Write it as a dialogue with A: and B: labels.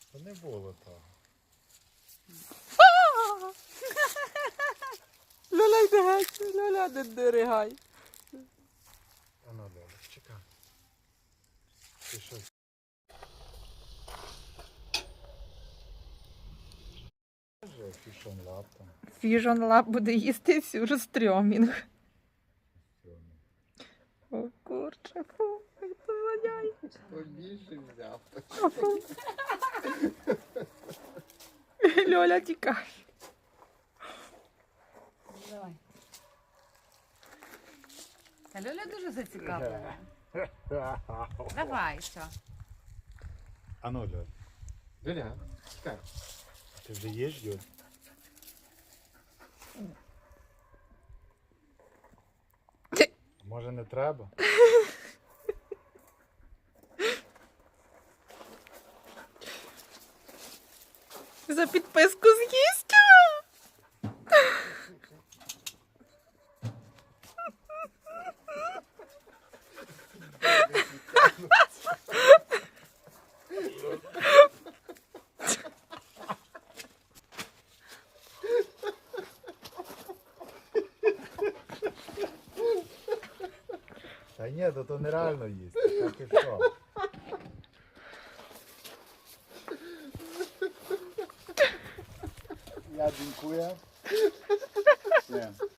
A: Та не було того.
B: Льоля, йди геть, Льоля, не диригай.
A: А ну, Льоля, чекай. Ти що? Каже, фішон лаптом.
B: Фіжон лап буде їсти сюрстрьомінг. О, курче, фу, як це воняє.
A: Побільше взяв.
B: Льоля, тікай.
C: Давай. Та Льоля дуже зацікавлена. Давай, все.
A: А ну, Льоля. Льоля, чекай. Ти вже їш, Юль? Може не треба?
B: За підписку з'їсть.
A: Та ні, то нереально їсти. Так і що? Я дякую.